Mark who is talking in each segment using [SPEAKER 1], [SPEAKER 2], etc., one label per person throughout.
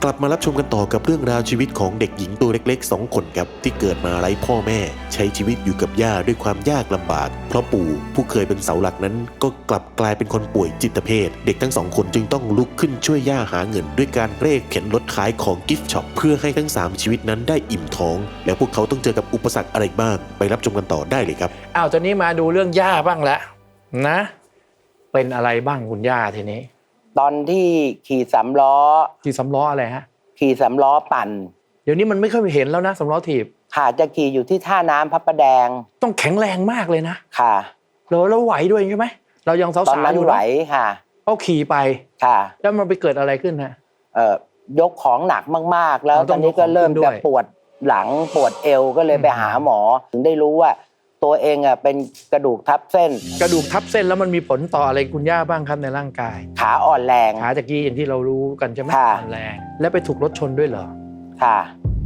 [SPEAKER 1] ลับมารับชมกันต่อกับเรื่องราวชีวิตของเด็กหญิงตัวเล็กๆ2 คนครับที่เกิดมาไร้พ่อแม่ใช้ชีวิตอยู่กับย่าด้วยความยากลำบากเพราะปู่ผู้เคยเป็นเสาหลักนั้นก็กลับกลายเป็นคนป่วยจิตเภทเด็กทั้ง2 คนจึงต้องลุกขึ้นช่วยย่าหาเงินด้วยการเร่เข็นรถขายของกิฟต์ช็อปเพื่อให้ทั้ง3ชีวิตนั้นได้อิ่มท้องแล้วพวกเขาต้องเจอกับอุปสรรคอะไรบ้างไปรับชมกันต่อได้เลยครับ
[SPEAKER 2] ตอนนี้มาดูเรื่องย่าบ้างแล้วนะเป็นอะไรบ้างคุณย่าทีนี้
[SPEAKER 3] ตอนที่ขี่สำล้อ
[SPEAKER 2] อะไรฮะ
[SPEAKER 3] ขี่สำล้อปั่น
[SPEAKER 2] เดี๋ยวนี้มันไม่ค่อยเห็นแล้วนะสำล้อถีบ
[SPEAKER 3] ค่ะจะขี่อยู่ที่ท่าน้ำพระประแดง
[SPEAKER 2] ต้องแข็งแรงมากเลยนะ
[SPEAKER 3] ค่ะ
[SPEAKER 2] แล้วไหวด้วยใช่ไหมเรายังสาวๆอยู่
[SPEAKER 3] ไหวค่ะ
[SPEAKER 2] เขาขี่ไป
[SPEAKER 3] ค่ะ
[SPEAKER 2] แล้วมันไปเกิดอะไรขึ้นฮะ
[SPEAKER 3] ยกของหนักมากๆแล้วตอนนี้ก็เริ่มจะปวดหลังปวดเอวก็เลยไปหาหมอถึงได้รู้ว่าตัวเองเป็นกระดูกทับเส้น
[SPEAKER 2] แล้วมันมีผลต่ออะไรคุณย่าบ้างครับในร่างกาย
[SPEAKER 3] ขาอ่อนแรง
[SPEAKER 2] ขาตะกี้อย่างที่เรารู้กันใช่ไหมอ่อนแรงแล้วไปถูกรถชนด้วยเหรอ
[SPEAKER 3] ค่ะ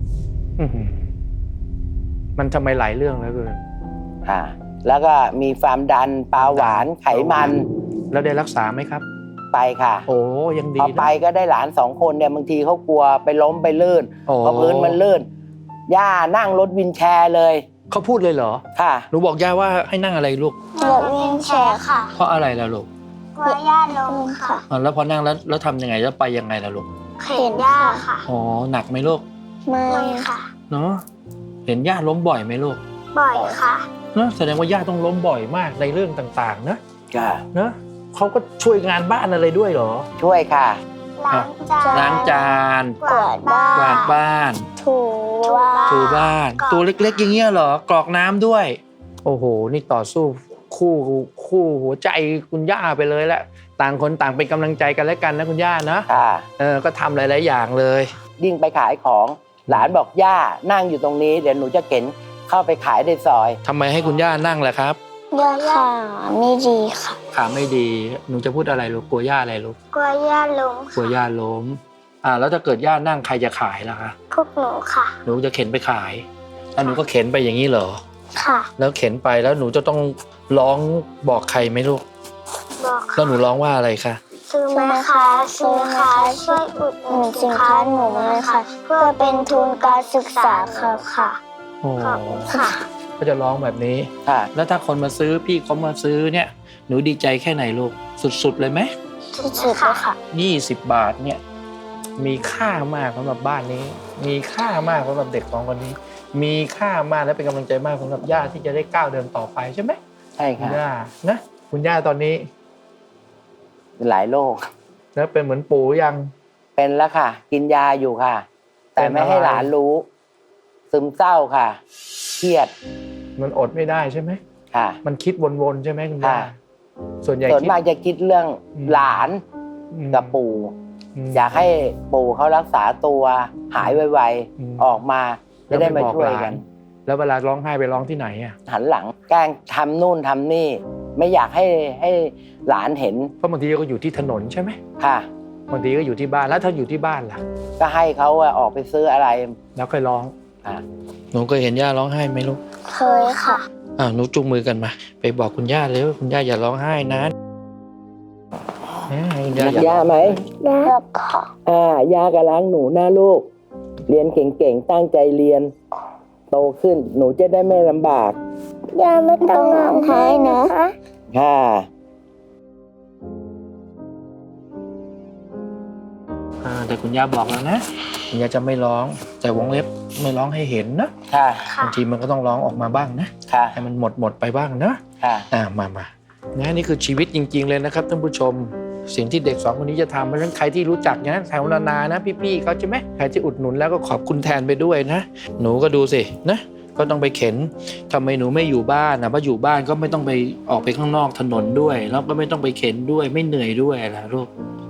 [SPEAKER 2] มันทำไมหลายเรื่องแล้วเกิน
[SPEAKER 3] ค่ะแล้วก็มีความดันเบาหวานไขมัน
[SPEAKER 2] แล้วได้รักษาไหมครับ
[SPEAKER 3] ไปค่ะ
[SPEAKER 2] โอ้ยังดี
[SPEAKER 3] พอไปก็ได้หลาน2 คนเนี่ยบางทีเขากลัวไปล้มไปลื่นเพราะพื้นมันลื่นย่านั่งรถวินแชร์เลย
[SPEAKER 2] เขาพูดเลยเหรอ
[SPEAKER 3] ค่ะ
[SPEAKER 2] หนูบอกย่าว่าให้นั่งอะไรลูก
[SPEAKER 4] รถวินแชร์ค่ะ
[SPEAKER 2] เพราะอะไรล่ะลูก
[SPEAKER 4] กลัวย่าล้มค่ะ
[SPEAKER 2] แล้วพอนั่งแล้วทำยังไงแล้วไปยังไงล่ะลูก
[SPEAKER 4] เข็นย่าค่ะ
[SPEAKER 2] อ๋อหนักไหมลูก
[SPEAKER 4] ไม่ค่ะ
[SPEAKER 2] เนาะเห็นย่าล้มบ่อยไหมลูก
[SPEAKER 4] บ่อยค่ะ
[SPEAKER 2] เนาะแสดงว่าย่าต้องล้มบ่อยมากในเรื่องต่างๆนะ
[SPEAKER 3] ค่ะ
[SPEAKER 2] เนาะเขาก็ช่วยงานบ้านอะไรด้วยเหรอ
[SPEAKER 3] ช่วยค่ะ
[SPEAKER 2] ล้างจาน
[SPEAKER 4] กวาด
[SPEAKER 2] บ้าน
[SPEAKER 4] ถู
[SPEAKER 2] บ้านตัวเล็กๆอย่างเงี้ยเหรอกรอกน้ำด้วยโอ้โหนี่ต่อสู้คู่หัวใจคุณย่าไปเลยแหละต่างคนต่างเป็นกำลังใจกันและกันนะคุณย่านะก็ทำหลายๆอย่างเลย
[SPEAKER 3] ยิ่งไปขายของหลานบอกย่านั่งอยู่ตรงนี้เดี๋ยวหนูจะเข็นเข้าไปขายในซอย
[SPEAKER 2] ทำไมให้คุณย่านั่งล่ะครับ
[SPEAKER 4] ขาไม่ดีค่ะ
[SPEAKER 2] ขาไม่ดีหนูจะพูดอะไรลูกกลัวย่าอะไรลูก
[SPEAKER 4] กลัวย่าล้ม
[SPEAKER 2] กลัวย่าล้มแล้วถ้าเกิดย่านั่งใครจะขายล่ะคะ
[SPEAKER 4] พวกหนูค่ะ
[SPEAKER 2] หนูจะเข็นไปขายแล้วหนูก็เข็นไปอย่างนี้เหรอ
[SPEAKER 4] ค่ะ
[SPEAKER 2] แล้วเข็นไปแล้วหนูจะต้องร้องบอกใครไหมลูก
[SPEAKER 4] บอก
[SPEAKER 2] แล้วหนูร้องว่าอะไรคะ
[SPEAKER 4] ซื้อไหมคะช่วยอุดหนุนสินค้าหนูเลยค่ะเพื่อเป็นทุนการศึกษาค่ะ
[SPEAKER 2] ขอบคุณค่ะก็จะร้องแบบนี้แล้วถ้าคนมาซื้อพี่เขามาซื้อเนี่ยหนูดีใจแค่ไหนลูกสุดๆเลยไหม
[SPEAKER 4] สุดๆเลยค่ะ
[SPEAKER 2] 20 บาทเนี่ยมีค่ามากสำหรับบ้านนี้มีค่ามากสำหรับเด็ก2 คนนี้มีค่ามากและเป็นกำลังใจมากสำหรับย่าที่จะได้ก้าวเดินต่อไปใช่ไหม
[SPEAKER 3] ใช่ค่ะ
[SPEAKER 2] คุณย่านะคุณย่าตอนนี้
[SPEAKER 3] หลายโรค
[SPEAKER 2] แล้วเป็นเหมือนปู่ยัง
[SPEAKER 3] เป็นแล้วค่ะกินยาอยู่ค่ะแต่ไม่ให้หลานรู้ซึมเศร้าค่ะเครียด
[SPEAKER 2] มันอดไม่ได้ใช่ไหม
[SPEAKER 3] ค่ะ
[SPEAKER 2] มันคิดวนๆใช่ไหมคุณย่าส่วน
[SPEAKER 3] มากจะคิดเรื่องหลานกับปู่อยากให้ปู่เขารักษาตัวหายไวๆออกมาจะได้มาช่วยกัน
[SPEAKER 2] แล้วเวลาร้องไห้ไปร้องที่ไหน
[SPEAKER 3] หันหลังแกล้งทำนู่นทำนี่ไม่อยากให้หลานเห็น
[SPEAKER 2] เพราะบางทีก็อยู่ที่ถนนใช่ไหม
[SPEAKER 3] ค่ะ
[SPEAKER 2] บางทีก็อยู่ที่บ้านแล้วถ้าอยู่ที่บ้านล่ะ
[SPEAKER 3] ก็ให้เขาออกไปซื้ออะไร
[SPEAKER 2] แล้วค่อยร้องหนูเคยเห็นย่าร้องไห้ไหมลูก
[SPEAKER 4] เคยค่ะ
[SPEAKER 2] หนูจุงมือกันมาไปบอกคุณย่าเลยว่าคุณย่าอย่าร้องไห้นะ
[SPEAKER 3] ย่าไหม
[SPEAKER 4] ย่าค่ะ
[SPEAKER 3] ย่ากับล้างหนูนะลูกเรียนเก่งๆตั้งใจเรียนโตขึ้นหนูจะได้ไม่ลำบาก
[SPEAKER 4] ย่าไม่ต้องร้องไห้นะ
[SPEAKER 3] ค่ะ
[SPEAKER 2] แต่คุณย่าบอกแล้วนะคุณย่าจะไม่ร้องแต่วงเล็บไม่ร้องให้เห็นนะบางทีมันก็ต้องร้องออกมาบ้างนะให้มันหมดไปบ้างนะมานี่คือชีวิตจริงๆเลยนะครับท่านผู้ชมสิ่งที่เด็ก2 คนนี้จะทำเพราะฉะนั้นใครที่รู้จักนะแถวนานะพี่ๆเขาใช่ไหมใครที่อุดหนุนแล้วก็ขอบคุณแทนไปด้วยนะหนูก็ดูสินะก็ต้องไปเข็นทำไมหนูไม่อยู่บ้านเพราะอยู่บ้านก็ไม่ต้องไปออกไปข้างนอกถนนด้วยแล้วก็ไม่ต้องไปเข็นด้วยไม่เหนื่อยด้วยล่ะลูก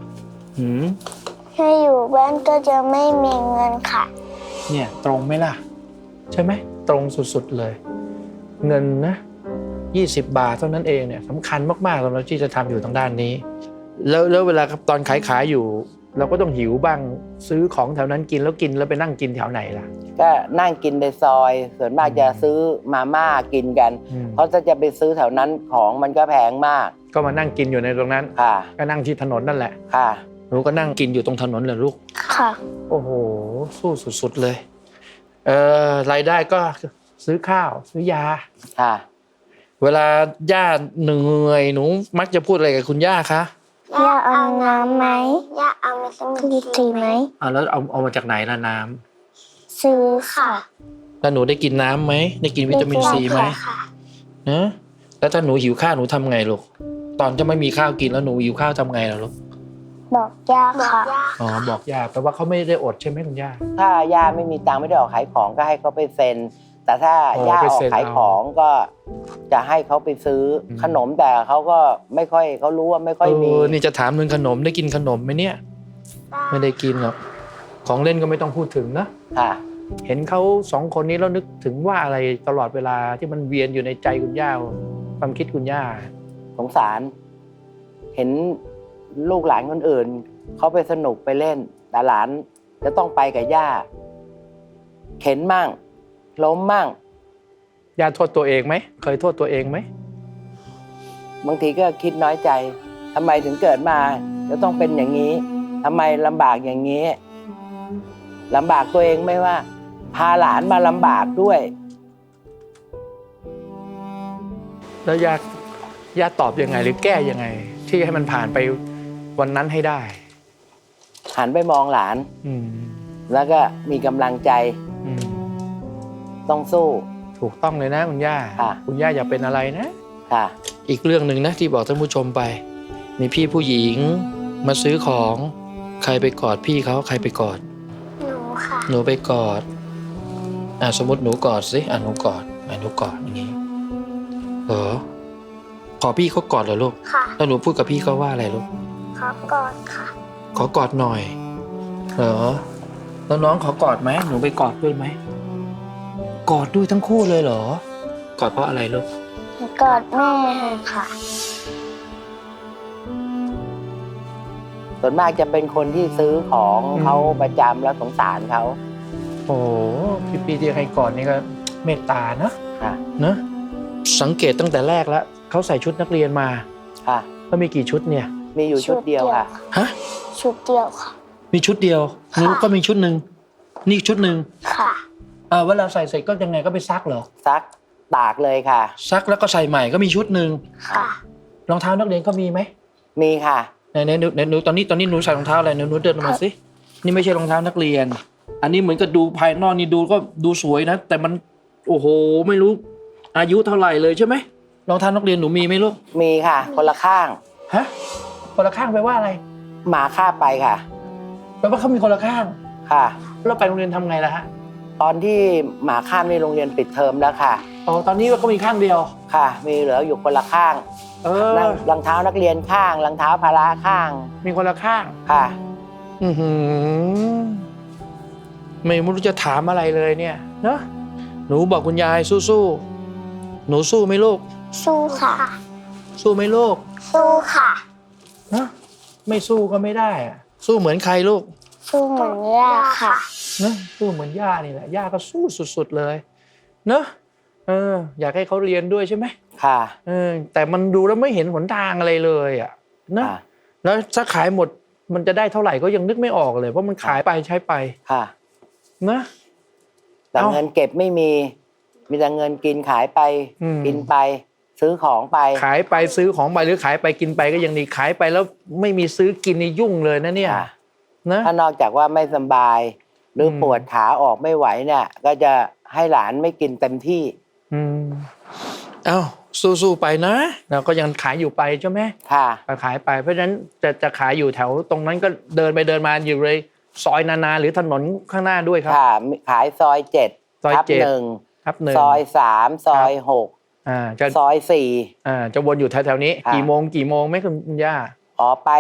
[SPEAKER 4] ถ้าอยู่บ้านก็จะไม่มีเงินค่ะ
[SPEAKER 2] เนี่ยตรงไหมล่ะใช่ไหมตรงสุดๆเลยเงินนะ20 บาทเท่านั้นเองเนี่ยสำคัญมากๆสำหรับที่จะทำอยู่ทางด้านนี้แล้วเวลาตอนขายอยู่เราก็ต้องหิวบ้างซื้อของแถวนั้นกินแล้วไปนั่งกินแถวไหนล่ะ
[SPEAKER 3] ก็นั่งกินในซอยส่วนมากจะซื้อมาม่ากินกันเพราะถ้าจะไปซื้อแถวนั้นของมันก็แพงมาก
[SPEAKER 2] ก็มานั่งกินอยู่ในตรงนั้นก็นั่งที่ถนนนั่นแหละหนูก็นั่งกินอยู่ตรงถนนเหรอลูก
[SPEAKER 4] ค่ะ
[SPEAKER 2] โอ้โหสู้สุดๆเลยรายได้ก็ซื้อข้าวซื้อยา
[SPEAKER 3] ค่ะ
[SPEAKER 2] เวลาย่าเหนื่อยหนูมักจะพูดอะไรกับคุณย่าคะ
[SPEAKER 4] ย่าเอาน้ำไหมย่าเอาวิตามินซีไหม
[SPEAKER 2] แล้วเอามาจากไหนล่ะน้ำ
[SPEAKER 4] ซื้อค่ะ
[SPEAKER 2] แล้วหนูได้กินน้ำไหมได้กินวิตามินซีไหม
[SPEAKER 4] ค่ะ
[SPEAKER 2] นะแล้วถ้าหนูหิวข้าวหนูทำไงลูกตอนจะไม่มีข้าวกินแล้วหนูหิวข้าวทำไงล่ะลูก
[SPEAKER 4] บอกย่าค่ะ
[SPEAKER 2] อ๋อบอกย่าแปลว่าเขาไม่ได้อดใช่ไหมคุณย่า
[SPEAKER 3] ถ้าย่าไม่มีตังค์ไม่ได้ออกขายของก็ให้เขาไปเซ็น แต่ถ้า
[SPEAKER 2] อ๋อย่
[SPEAKER 3] า
[SPEAKER 2] ไป
[SPEAKER 3] ออก
[SPEAKER 2] เซ็น
[SPEAKER 3] ขายของก็จะให้เขาไปซื้อขนมแต่เขาก็ไม่ค่อยเขารู้ว่าไม่ค่อยมี
[SPEAKER 2] นี่จะถามเรื่องขนมได้กินขนมไหมเนี่ย ไม่ได้กินหรอกของเล่นก็ไม่ต้องพูดถึงนะ
[SPEAKER 3] ค่ะ
[SPEAKER 2] เห็นเขาสองคนนี้แล้วนึกถึงว่าอะไรตลอดเวลาที่มันเวียนอยู่ในใจคุณย่าความคิดคุณย่า
[SPEAKER 3] สงสาร เห็นลูกหลานคนอื่นเขาไปสนุกไปเล่น แต่หลานจะต้องไปกับย่า เข็นมั่งล้มมั่ง
[SPEAKER 2] ย่าโทษตัวเองไหมเคยโทษตัวเองไหม
[SPEAKER 3] บางทีก็คิดน้อยใจทำไมถึงเกิดมาจะต้องเป็นอย่างนี้ทำไมลำบากอย่างนี้ลำบากตัวเองไม่ว่า พาหลานมาลำบากด้วย
[SPEAKER 2] แล้วย่าตอบยังไงหรือแก้ยังไง ที่ให้มันผ่านไปวันนั้นให้ได้
[SPEAKER 3] หันไปมองหลาน
[SPEAKER 2] อืม
[SPEAKER 3] แล้วก็มีกำลังใจ
[SPEAKER 2] อืม
[SPEAKER 3] ต้องสู้
[SPEAKER 2] ถูกต้องเลยนะคุณย่า
[SPEAKER 3] ค่ะ
[SPEAKER 2] คุณย่าอย่าเป็นอะไรนะ
[SPEAKER 3] ค่ะ
[SPEAKER 2] อีกเรื่องหนึ่งนะที่บอกท่านผู้ชมไป มีพี่ผู้หญิงมาซื้อของใครไปกอดพี่เขาใครไปกอด
[SPEAKER 4] หนูค่ะ
[SPEAKER 2] หนูไปกอดสมมติหนูกอดสิหนูกอดหนูกอดอย่างนี้เหรอขอพี่เขากอดเหรอลูก
[SPEAKER 4] ค่ะ
[SPEAKER 2] แล้วหนูพูดกับพี่เขาว่าอะไรลูก
[SPEAKER 4] ขอกอดค่ะ
[SPEAKER 2] ขอกอดหน่อยเหรอแล้วน้องขอกอดไหมหนูไปกอดด้วยไหมกอดด้วยทั้งคู่เลยเหรอกอดเพราะอะไรลูก
[SPEAKER 4] กอดแม่ค่ะ
[SPEAKER 3] ส่วนมากจะเป็นคนที่ซื้อของเขาประจำแล้วสงสารเขา
[SPEAKER 2] โอ้พี่ที่ให้กอดนี่ก็เมตตานะ
[SPEAKER 3] ค่ะ
[SPEAKER 2] นะสังเกตตั้งแต่แรกแล้วเขาใส่ชุดนักเรียนมา
[SPEAKER 3] ค่ะ
[SPEAKER 2] แล้วมีกี่ชุดเนี่ย
[SPEAKER 3] มีอยู่ชุดเดียวค่ะ
[SPEAKER 2] ฮะ
[SPEAKER 4] ชุดเดียวค่ะ
[SPEAKER 2] มีชุดเดียวหนูก็มีชุดหนึ่งนี่ชุดหนึ่ง
[SPEAKER 4] ค่ะ
[SPEAKER 2] เวลาใส่เสร็จก็ยังไงก็ไปซักเหรอ
[SPEAKER 3] ซักตากเลยค่ะ
[SPEAKER 2] ซักแล้วก็ใส่ใหม่ก็มีชุดหนึ่ง
[SPEAKER 4] ค่ะ
[SPEAKER 2] รองเท้านักเรียนก็มีไหม
[SPEAKER 3] มีค่ะ
[SPEAKER 2] ไหนหนูตอนนี้หนูใส่รองเท้าอะไรหนูเดินออกมาสินี่ไม่ใช่รองเท้านักเรียน อันนี้เหมือนกับดูภายนอกนี่ดูก็ดูสวยนะแต่มันโอ้โหไม่รู้อายุเท่าไหร่เลยใช่ไหมรองเท้านักเรียนหนูมีไหมลูก
[SPEAKER 3] มีค่ะ คนละข้าง
[SPEAKER 2] ฮะคนละข้างแปลว่าอะไร
[SPEAKER 3] หมาฆ่าไปค่ะ
[SPEAKER 2] แปลว่าเขามีคนละข้าง
[SPEAKER 3] ค่ะ
[SPEAKER 2] แล้วไปโรงเรียนทำไงล่ะฮะ
[SPEAKER 3] ตอนที่หมาข้ามในโรงเรียนปิดเทอมแล้วค่ะ
[SPEAKER 2] อ๋อตอนนี้ก็มีข้างเดียว
[SPEAKER 3] ค่ะ มีเหลืออยู่คนละข้าง รองเท้านักเรียนข้างรองเท้าพละข้าง
[SPEAKER 2] มีคนละข้าง
[SPEAKER 3] ค่ะ
[SPEAKER 2] อือหือไม่รู้จะถามอะไรเลยเนี่ยเนาะหนูบอกคุณยายสู้ๆหนูสู้ไหมลูก
[SPEAKER 4] สู้ค่ะ
[SPEAKER 2] สู้ไหมลูก
[SPEAKER 4] สู้ค่ะ
[SPEAKER 2] นะไม่สู้ก็ไม่ได้อะสู้เหมือนใครลูก
[SPEAKER 4] สู้เหมือนย่าค่ะ
[SPEAKER 2] นะสู้เหมือนย่านี่แหละย่าก็สู้สุดๆเลยเนอะอยากให้เขาเรียนด้วยใช่ไหม
[SPEAKER 3] ค่ะ
[SPEAKER 2] แต่มันดูแล้วไม่เห็นหนทางอะไรเลยอ่ะนะ
[SPEAKER 3] ค่ะ
[SPEAKER 2] แล้วถ้าขายหมดมันจะได้เท่าไหร่ก็ยังนึกไม่ออกเลยเพราะมันขายไปใช้ไป
[SPEAKER 3] ค่ะ
[SPEAKER 2] นะ
[SPEAKER 3] แต่
[SPEAKER 2] เอ้า
[SPEAKER 3] เงินเก็บไม่มี มีแต่เงินกินขายไป
[SPEAKER 2] อืม
[SPEAKER 3] กินไป ซื้อของไป
[SPEAKER 2] ขายไปซื้อของไปหรือขายไปกินไปก็ยังดีขายไปแล้วไม่มีซื้อกินนี่ยุ่งเลยนะเนี่ย
[SPEAKER 3] ค่ะ
[SPEAKER 2] นะ
[SPEAKER 3] ถ้านอกจากว่าไม่สบาย หรือปวดขาออกไม่ไหวเนี่ย ก็จะให้หลานไม่กินเต็มที่
[SPEAKER 2] เอ้าสู้ๆไปนะเราก็ยังขายอยู่ไปใช่ไหม
[SPEAKER 3] ค่ะ
[SPEAKER 2] ก็ขายไปเพราะฉะนั้นจะขายอยู่แถวตรงนั้นก็เดินไปเดินมาอยู่เลยซอยนาหรือถนนข้างหน้าด้วยครับ
[SPEAKER 3] ค่ะ ขายซอย
[SPEAKER 2] ซอย
[SPEAKER 3] 7 ทับ
[SPEAKER 2] 7
[SPEAKER 3] 1
[SPEAKER 2] ครับหนึ่ง
[SPEAKER 3] ซอย 3 ซอย
[SPEAKER 2] จะ
[SPEAKER 3] 6 ซอย
[SPEAKER 2] จะวนอยู่แถวๆนี้
[SPEAKER 3] ค่ะ
[SPEAKER 2] กี่โมงไหมคุณย่า
[SPEAKER 3] 4 ไป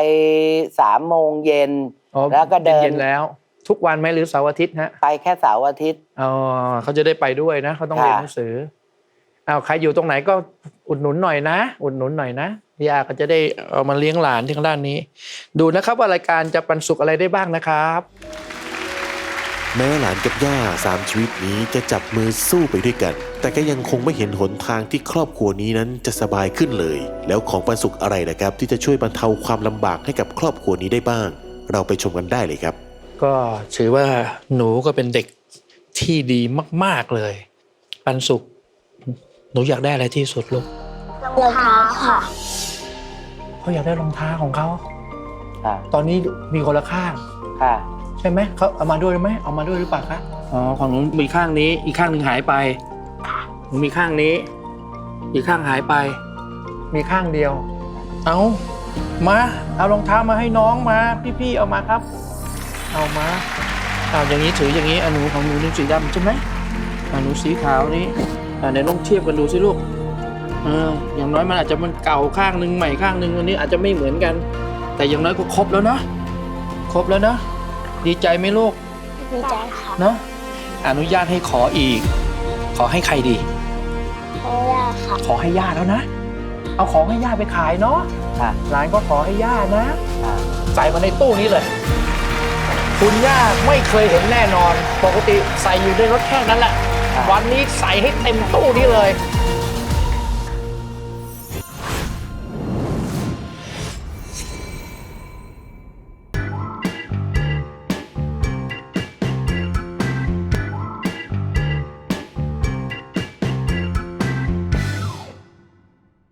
[SPEAKER 3] 3 โมงเย็น
[SPEAKER 2] อ๋อ
[SPEAKER 3] แล้วก็เดิน
[SPEAKER 2] เย็นๆแล้ว ทุกวันไหมหรือเสาร์อาทิตย์ฮะ
[SPEAKER 3] ไปแค่เสาร์อาทิตย์
[SPEAKER 2] อ๋อเขาจะได้ไปด้วยนะเขาต้องเรียนหนังสือใครอยู่ตรงไหนก็อุดหนุนหน่อยนะอุดหนุนหน่อยนะย่าก็จะได้เอามาเลี้ยงหลานที่ทางด้านนี้ ดูนะครับว่ารายการจะปันสุขอะไรได้บ้างนะครับ
[SPEAKER 1] แม้หลานกับย่า3 ชีวิตนี้จะจับมือสู้ไปด้วยกัน แต่ก็ยังคงไม่เห็นหนทางที่ครอบครัวนี้นั้นจะสบายขึ้นเลย แล้วของปันสุขอะไรนะครับที่จะช่วยบรรเทาความลำบากให้กับครอบครัวนี้ได้บ้างเราไปชมกันได้เลยครับ
[SPEAKER 2] ก็ถือว่าหนูก็เป็นเด็กที่ดีมากๆเลยปันสุขหนูอยากได้อะไรที่สุดลูก
[SPEAKER 4] รองเท้าค่ะ
[SPEAKER 2] เขาอยากได้รองเท้าของเขา
[SPEAKER 3] ค่ะ
[SPEAKER 2] ตอนนี้มีคนละข้าง
[SPEAKER 3] ค่ะ
[SPEAKER 2] ใช่ไหมเขาเอามาด้วยไหมเอามาด้วยหรือเปล่าคะอ๋อของหนูมีข้างนี้อีกข้างหนึ่งหายไปหนูมีข้างนี้ อีกข้างหายไป มีข้างเดียว เอามาเอารองเท้ามาให้น้องมาพี่ๆเอามาครับ เอามาเอาอย่างนี้ถืออย่างนี้หนูของหนูนี่สีดำใช่ไหมหนูสีขาวนี่เดี๋ยวลองเทียบกันดูสิลูกอย่างน้อยมันอาจจะมันเก่าข้างหนึ่งใหม่ข้างหนึ่งอันนี้อาจจะไม่เหมือนกัน แต่อย่างน้อยก็ครบแล้วนะครบแล้วนะดีใจไหมลูก
[SPEAKER 4] ดีใจค่ะ
[SPEAKER 2] เนาะอนุญาตให้ขออีก ขอให้ใครดี
[SPEAKER 4] เพราะว่าค่ะ
[SPEAKER 2] ขอให้ย่าแล้วนะ เอาของให้ย่าไปขายเนาะ
[SPEAKER 3] ค่ะ
[SPEAKER 2] หลานก็ขอให้ย่านะ
[SPEAKER 3] ค่ะ
[SPEAKER 2] ใส่มาในตู้นี้เลย คุณย่าไม่เคยเห็นแน่นอน ปกติใส่อยู่ในรถแค่นั้นแหละ วันนี้ใส่ให้เต็มตู้นี้เลย